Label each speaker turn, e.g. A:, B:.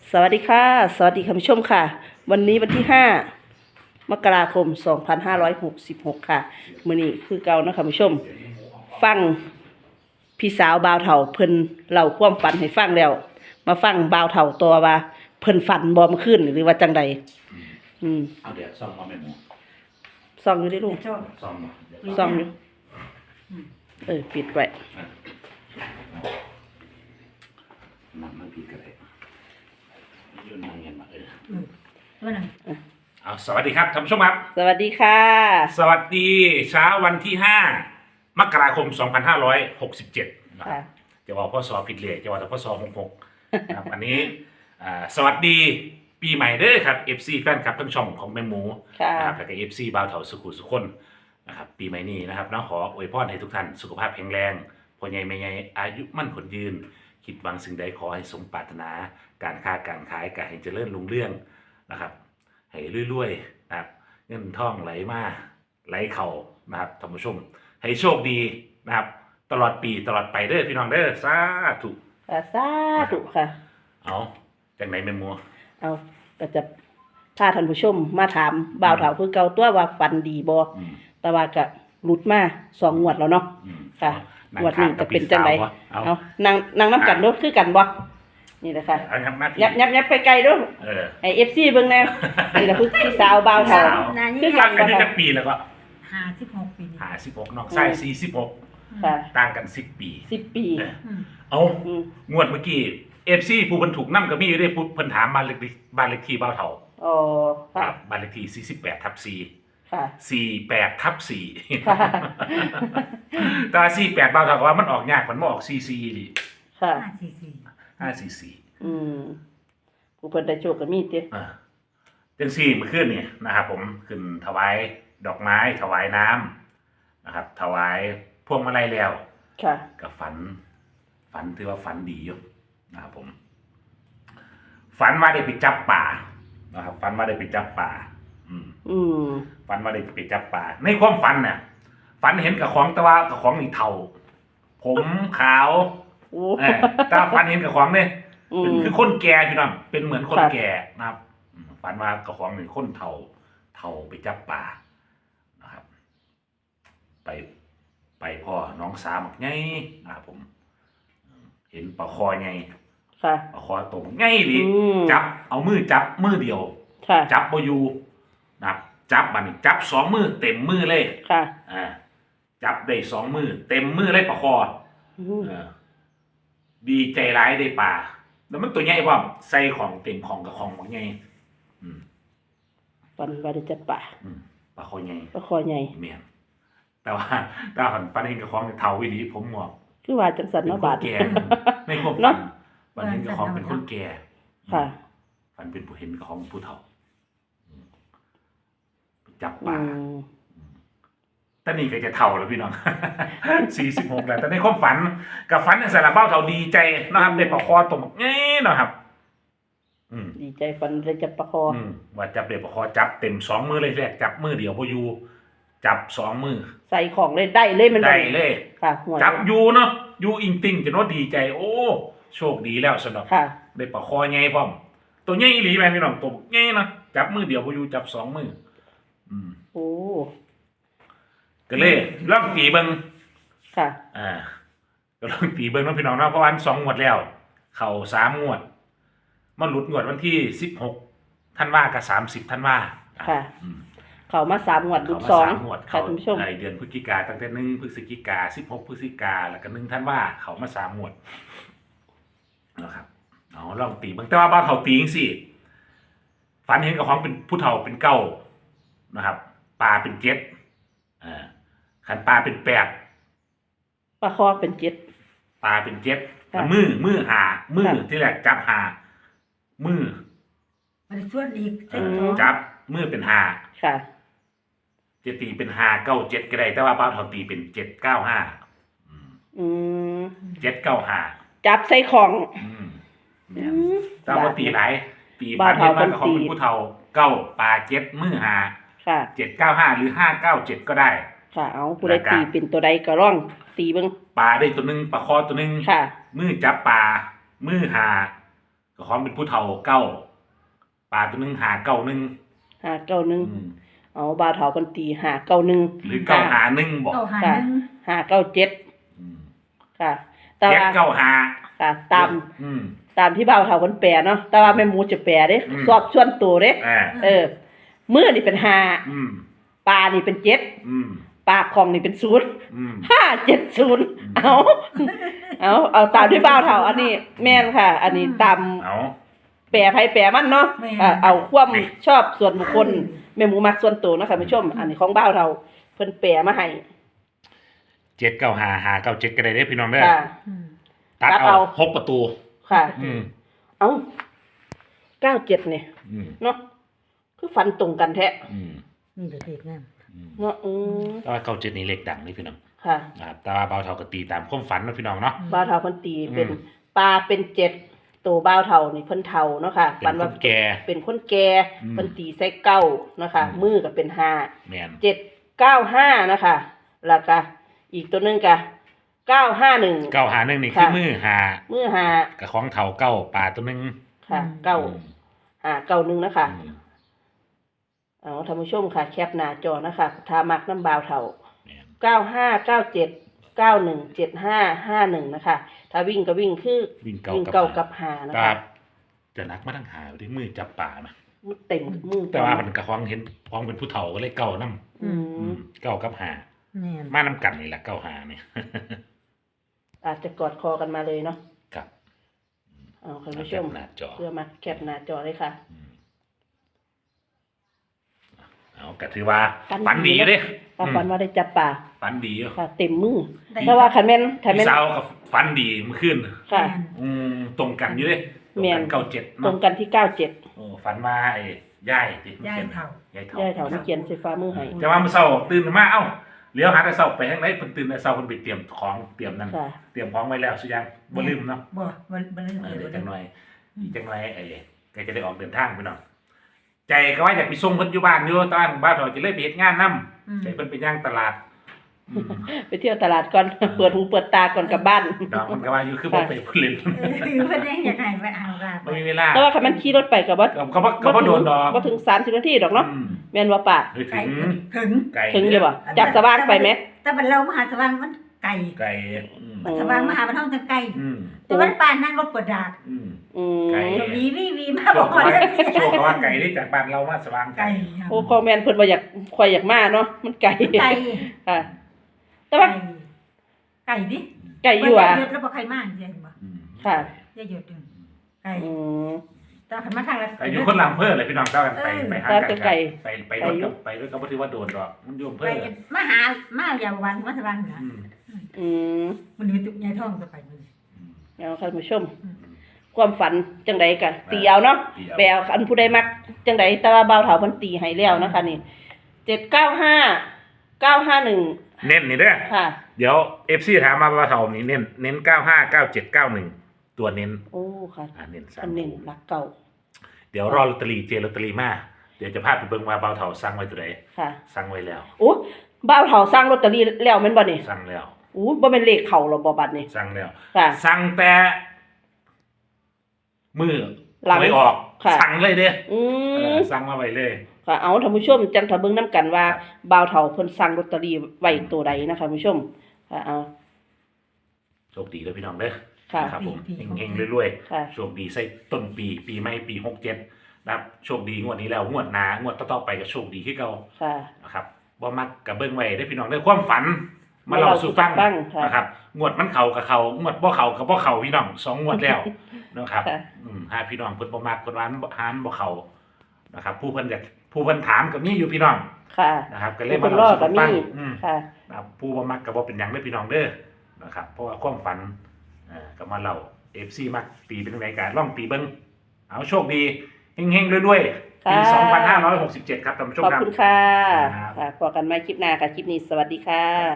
A: สวัสดีค่ะสวัสดีคุณผู้ชมค่ะวันนี้วันที่5 มกราคม 2566 ค่ะมื้อนี้คือเก่านะคุณผู้ชมฟังพี่สาวบ่าวเฒ่าเพิ่นเล่าความฝันให้ฟังแล้วมาฟังบ่าวเฒ่าตัวว่าเพิ่นฝันบ่เมื่อคืนหรือว่าจังใด
B: เอาเดี๋ยวซ่อมมาแม่หมู
A: ส่องอยู่ดิลูก
B: ซ่อมมา
A: ส่องอยู่ปิดไว้
B: มันผิดกันเลยยืนนั่งเงียบมาเอาสวัสดีครับท่านผู้ชมครับ
A: สวัสดีค่ะ
B: สวัสดีเช้าวันที่5 มกราคม 2567นะครับจะบอกพ่อสอผิดเลยจะบอกแต่พ่อสอ66นะครับอันนี้สวัสดีปีใหม่เด้อครับ FC แฟนคลับทั้งช่องของแม่หมูนะครับแล้วก็ FC บ่าวเฒ่าสุขุสุขคนนะครับปีใหม่นี้นะครับน้องขออวยพรให้ทุกท่านสุขภาพแข็งแรงพ่อใหญ่แม่ใหญ่อายุมั่นขนยืนคิดหวังสิ่งใดขอให้สมปรารถนาการค้าการขายการให้เจริญรุ่งเรืองนะครับให้รวยๆนะครับเงินทองไหลมาไหลเข่านะครับท่านผู้ชมให้โชคดีนะครับตลอดปีตลอดไปเด้อพี่น้องเด้อสาธุ
A: สาธุค่ะ
B: เอาจากไหนแม่หมู
A: เอาก็จะพาท่านผู้ชมมาถามบ่าวเฒ่าคือเก่าตัวว่าฝันดีบ่แต่ว่าก็หลุดมา2 งวดแล้วเนาะค่ะงวดนี้จะเป็นจังไดเอานั่งน้ำกันเด้อคือกันบ่นี่แหละค่ะยับไปไกลเด้อให้ FC เบิ่งแน่นี่แหละคือพี่สาวบ่าวเฒ่า
B: คือกันอายุจักปีแล้วก็
C: 56 ปี
B: 56น้องชาย46
A: ค่ะ
B: ต่างกัน10 ปี
A: 10 ปี
B: เอางวดเมื่อกี้ FC ผู้เพิ่นถูกนำก็มีอยู่ได้เพิ่นถามบ้านเลขที่บ่าวเฒ่า
A: อ๋อค่ะ
B: บ้านเลขที่48/4
A: ค่ะ
B: 48/4แต่48บ่าวเฒ่าว่ามันออกยากมันบ่ออก44ดิ
A: ค่ะ
B: 544
A: ผู้เพิ่นได้โชคก็มีติ
B: จังซี่เมื่อคืนนี่นะครับผมขึ้นถวายดอกไม้ถวายน้ำนะครับถวายพวงมาลัยแล้ว
A: ค่ะ
B: ก็ฝันถือว่าฝันดีอยู่นะครับผมฝันว่าได้ไปจับป่านะครับฝันว่าได้ไปจับป่าฝันว่าได้ไปจับป่าในความฝันเนี่ยฝันเห็นกับของแต่ว่ากับของนี่เทาผมขาวแต่ฝันเห็นกับของเนี่ยเป็นคือคนแก่พี่น้องเป็นเหมือนคนแก่นะครับฝันว่ากับของนี่คนเทาไปจับป่านะครับไปพ่อน้องสาวไงนะครับผมเห็นปลาคอไงปลาคอตรงไงดิจับเอามือจับมือเดียวจับบ่อยู่นะครับจับบัดนี้จับ2 มือเต็มมือเลยจับได้2 มือเต็มมือเลยปลาคอดีใจร้ายได้ปลาแล้วมันตัวใหญ่พร้อมใส่ของเต็มของกับของบักใหญ่
A: ฝันว่าได้จับปลา
B: คอใหญ่แม่นแต่ว่าฝันเห็นกับของเฒ่าอีหลีผมงอก
A: คือว่าจังซั่นเนาะบาด
B: แก่ในความฝันเห็นกับของเป็นคนแก่
A: ค่ะ
B: ฝันเป็นผู้เห็นกับของผู้เฒ่าจับปลาแต่นี่ก็จะเฒ่าแล้วพี่น้อง46แล้วแต่ในความฝันกับฝันในสารเบ้าเฒ่าดีใจนะครับได้ปลาคอตรงเงี้ยนะครับ
A: ดีใจฝันได้จับปลาคอ
B: ว่าจับได้ปลาคอจับเต็ม2 มือเลยแรกจับมือเดียวบ่อยู่จับ2 มือ
A: ใส่ของเลยได้เลยมัน
B: ได้เลย
A: ค่ะ
B: จับอยู่เนาะอยู่อิงติ่งจะโน้ดีใจโอ้โชคดีแล้วสำหรับได้ปลาคอใหญ่พร้อมตัวใหญ่อีหลีแม่พี่น้องตัวใหญ่นะจับมือเดียวบ่อยู่จับ2 มือ
A: โอ้
B: ก็เลยลองตีเบิ่ง
A: ค่ะ
B: ก็ลองตีเบิ่งน้องพี่น้องเนาะเพราะวัน2 งวดแล้วเข้า3 งวดมาหลุดงวดวันที่16 ธันวากับ30 ธันวา
A: ค่ะเข้ามา3 งวดหลุด2ค่ะท่านผู้ชม
B: ในเดือนพฤศจิกาตั้งแต่1 พฤศจิกา16 พฤศจิกาแล้วก็1 ธันวาเข้ามา3 งวดนะครับเอาลองตีเบิ่งแต่ว่าบ้านเฒ่าตีจังซี่ฝันเห็นกับของเป็นผู้เฒ่าเป็น9นะครับปลาเป็น7ขันปลาเป็น8
A: ปลาคอเป็น7
B: ปลาเป็น7มือหามือที่แรกจับหามือ
C: มันส่วนอีก
B: จับมือเป็น5
A: ค่ะ
B: จะตีเป็น5 9 7ก็ได้แต่ว่าป้าเฒ่าตีเป็น7 9 5 7 9 5
A: จับใส่ของ
B: แต่ว่าตีหลายตีฝันเห็นว่าของเป็นผู้เฒ่า9ปลา7มือ5
A: ค่ะ
B: 795หรือ597ก็ได้
A: ค่ะเอาผู้ใดตีเป็นตัวใดก็ร้องตีเบิ่ง
B: ปลาได้ตัวนึงปลาคอตัวนึง
A: ค่ะ
B: มือจับปลามือหาก็ของเป็นผู้เฒ่าเก้าปลาตัวหนึงหาเก้าหนึ่ง
A: 591เอาบ่าวเฒ่าเพิ่นตี591
B: หรือเก้าหาหนึ่งบอก
C: เก้าหา
A: ค่ะ
C: หนึ่ง
A: 597
B: อืม
A: ค่ะแต่
B: เจ็ด
A: ว่า
B: เก้าหา
A: ค่ะตาม
B: อืม
A: ตามที่บ่าวเฒ่าเพิ่นแปลเนาะแต่ว่าแม่หมูจะแปลเด้
B: อืม
A: สอบส่วนตัวเด้ มือนี่เป็น5
B: อืม
A: ปลานี่เป็น7
B: อืม
A: ปากของนี่เป็น0
B: อืม
A: 570เอาตามที่บ่าวเฒ่าอันนี้แม่นค่ะ อันนี้ตาม
B: เอา
A: แปรไผแปรมันเนาะเอาความชอบส่วนบุคคลแม่หมูมักส่วนตัวเนาะค่ะผู้ชม อันนี้ของบ่าวเฒ่าเพิ่นแปรมาให้
B: เจ็ดเก้าหาหาเก้าเจ็ดก็ได้เด้อพี่น้องเด้อ
A: ค่ะ
C: อืม
B: ตัด
A: ตัด
B: เอา
A: เอา
B: 6 ประตู
A: ค่ะ
B: อืม
A: เอา97นี่
B: อืม
A: เนาะคือฝันตรงกันแท้
B: อืม
C: นี่เด็กงาม
B: อืม
A: เนาะ
B: แต่ว่าเก้าเจ็ดนี่เลขดังนี่พี่น้อง
A: ค่ะ
B: นะครับแต่ว่าเบาเท่าก็ตีตามความฝันเนาะพี่น้องเนาะ
A: บ่าวเฒ่าเพิ่นตีเป็น
B: อืม
A: ปลาเป็น7ตัวบ่าวเฒ่านี่เพิ่นเฒ่าเนาะค่ะ
B: เป็
A: ฝั
B: น
A: น
B: ค
A: ว่าน
B: แก่
A: เป็นคนแก่
B: อืม
A: เพิ่นตีใส่เก้าเนาะค่ะ
B: อืม
A: มือก็เป็น5
B: แมน
A: 795นะคะแล้วก็อีกตัวหนึงก็951
B: เก้าหาหนึ่งนี่คือ
A: ค่ะ
B: มือหา
A: มือ5
B: กับของเท่าเก้าปลาตัวหนึง
A: ค่ะ991นะคะ
B: อืม
A: เอาท่านผู้ชมค่ะแคปหน้าจอนะคะถ้ามักน้ำบ่าวเฒ่า
B: แม่น
A: 9597917551นะคะถ้าวิ่งก็วิ่งคือ
B: วิ่ง
A: วิ่ง
B: เก้า
A: เก้า
B: กั
A: กับ บ5นะ
B: ครั
A: คะ
B: บจะนักมาทั้งหาด้วยมือจับป่านะ
A: มันเต็มมือ
B: แต่ว่ามันกับของเห็นของเป็นผู้เฒ่าก็เลยเก้าน้
A: อืม
B: ำเก้ากับหา
C: แม่น
B: มาน้ำกันนี่แหละเก้าหาเนี่ย
A: อาจจะกอดคอกันมาเลยเนาะ
B: ครับ
A: เอาท่านผู้ช
B: แคป
A: ม
B: หน้าจอ
A: เพื่อมาแคปหน้าจอเลยค่ะ
B: อืมเอาก็ถือว่า
A: ฝัน
B: ฝันดี
A: ดี
B: อยู่เด้
A: ว่าฝันว่าได้จับปลา
B: ฝันดีอยู่
A: ค่ะ เต็มมือแต่ว่าคันแม่น
B: พี่สาวกับฝันดีเมื่อคืน
A: ค่ะ
B: ตรงกันอยู่เด้ตรง
A: แม่
B: กัน
A: น
B: เก้าเจ็ด
A: ตร
B: เนาะ
A: งกันที่97
B: โอ้ฝันมาไอ้ย่ายติ
C: ย่ายเฒ่า
B: ย่ายเฒ่า
A: ย่ายเฒ่านี่เขียนใส่ฟ้ามือให้
B: แต่ว่าเมื่อเช้าตื่นมาเอ้าเลี้ยวหาแต่เช้าไปทางไหนเพิ่นตื่นแต่เช้าเพิ่นไปเตรียมของเตรียมนั่น
A: ค่ะ
B: เตรียมของไว้แล้วสุยังบ่ลืมเนาะ
C: บ่ลืม
B: เดี๋ยวจังหน่อย
C: อืม
B: อีกจังหน่อยไอ้ก็จะได้ออกเดินทางไปเนาะใจก็ว่าอยากไปส่งเพิ่นอยู่บ้านอยู่แต่ว่าบ้านเราจะเลยไปเฮ็ดงานนำใจเพิ่นไปย่างตลาดอืม
A: ไปเที่ยวตลาดก่อน เปิดหูเปิดตาก่อนกลับบ้าน
B: ดอกมันก็ว่าอยู่คือบ่ไปเพิ่นเล่น
C: เพิ่นยังอยากให้ไปเอาล่ะ
B: บ่มีเวลา
A: แต่ว่าคันมันขี่รถไปก็บ่
B: ก็บ่โดนดอก
A: บ่ถึง30นาทีดอกเนาะ
B: อืม
A: แม่นว่าป่า
B: เฮ้ย
C: ไกล
B: ถึง
C: ถึง
B: ไกล
A: ถึงอยู่บ่จากสว่างไปไหม
C: แต่บัดเรามหาสว่างมันไกล
B: ไกลอืม
C: สว่างมหาบรรทัดจะไกล
B: อืม
C: แต่วันป่านนั่งรถปวดดาด
B: อืม
A: อืม
B: ไกล
C: จะวีมา
B: โช
C: บอก
B: ค
C: ว่า
B: ว่า
C: จะสิ
B: โชคว่าไก่ที่จากบ้านเรามาสว่าง
C: ไกล
B: ไก่
A: โอ้คอมเมนต์เพิ่นบ่อยากข่อยอยากมาเนาะมันไกล
C: ไกล
A: ค่ะ แต่ว่า
C: ไกลดิ
A: ไกลอยู่อ่ะ
C: เยอะแล้วบ่ใครมาจริงบ่
B: อืม
A: ค่ะ
C: เยอะๆดึงไกล
A: อืม
C: แต่คันมาทางละ
B: แต่อยู่คนลำเพิ่นเลยพี่น้องเจ้ากันไปไปหา
A: แต่
B: กัน
A: ไกล
B: ไปรถกับไปรถก็บ่ถือว่าโดนดอกมันอยู่อำ
C: ไป
B: เพิ่น
C: มาหามาอย่าวันมาสว่างนะ
B: อืม
A: อืม
C: มันมีตุกใหญ่ท้องจะไปมัน
A: เอาท่านผู้ชม ความฝันจังใดก็ตีเอาเนาะแปลอันผู้ใดมักจังใดแต่ว่าเบาเฒ่าเพิ่นตีให้แล้วนะคะนี่795 951
B: เน้นนี่เด้อ
A: ค่ะ
B: เดี๋ยว FC ถามมาว่าเท่านี้เน้น95 97 91ตัวเน้น
A: โอ้ค่ะ
B: เน้น
A: อันนี้รักเก่า
B: เดี๋ยวรอลอตเตอรี่เจลอตเตอรี่มาเดี๋ยวจะพาไปเบิ่งว่าเบาเท่าสั่งไว้ตัวใด
A: ค่ะ
B: สั่งไว้แล้ว
A: โอ้บ่าวเฒ่าสร้างลอตเตอรี่แล้วแม่นบ่นี่
B: สั่งแล้ว
A: อู้บ่แม่นเลขเข้าหรอบ่บัดนี้
B: สั่งแล้ว
A: ค่ะ
B: สั่งแต่มือ
A: หลัง
B: ไม่ออก
A: ค่ะ
B: สั่งเลยเด้
A: อืม
B: สั่งมาไว้เลย
A: ค่ะเอาท่านผู้ชมจังถ้าเบิ่งนํกันว่าบ่าวเฒ่าเพิ่นสั่งลอตเตอรี่ไว้ตัวใดนะคะท่านผู้ชมค่ะเอา
B: โชคดีเลยพี่น้องเด้อ
A: ค่ะ
B: นะครับผมเฮงๆรวย
A: ค่ะ
B: ๆโชคดีใส่ต้นปีใหม่ปี67นะครับโชคดีงวดนี้แล้วงวดหน้างวดต่อๆไปก็โชคดีขึ้นเก่า
A: ค่ะ
B: นะครับบ่มักกับเบิ่งไว้ได้อพี่น้องเด้อความฝันมาเล่าสู่ฟัง
A: ฟังค่ะ
B: นะครับงวดมันเข้ากับเขางวดบ่เข้ากับบ่เข้าพี่น้อง2งวดแล้วนะครับ
A: ค่ะ
B: หาพี่น้องเพิ่นบ่มักเพิ่นว่าหานบ่เข้านะครับผู้เพิ่นถามก็มีอยู่พี่น้อง
A: ค่ะ
B: นะครับก็เลย
A: เพิ่
B: มาน เล่าร
A: อ
B: สู่
A: ก็
B: ฟั
A: มี
B: ง
A: ค่ะ
B: นะครับผู้บ่มักก็บ่เป็นหยังเด้อพี่น้องเด้อนะครับเพราะว่าความฝันก็มาเล่า FC มักตีเป็นจังไดก็ลองตีเบิ่งเอาโชคดีเฮงๆรวยๆปี
A: ค่ะ
B: 2567ครับท่านผู้ชม
A: ขอบ
B: ครับ
A: คุณค่ะ
B: ครับ
A: ค่ะพบกันใหม่คลิปหน้าค่ะ คลิปนี้สวัสดีค่ะ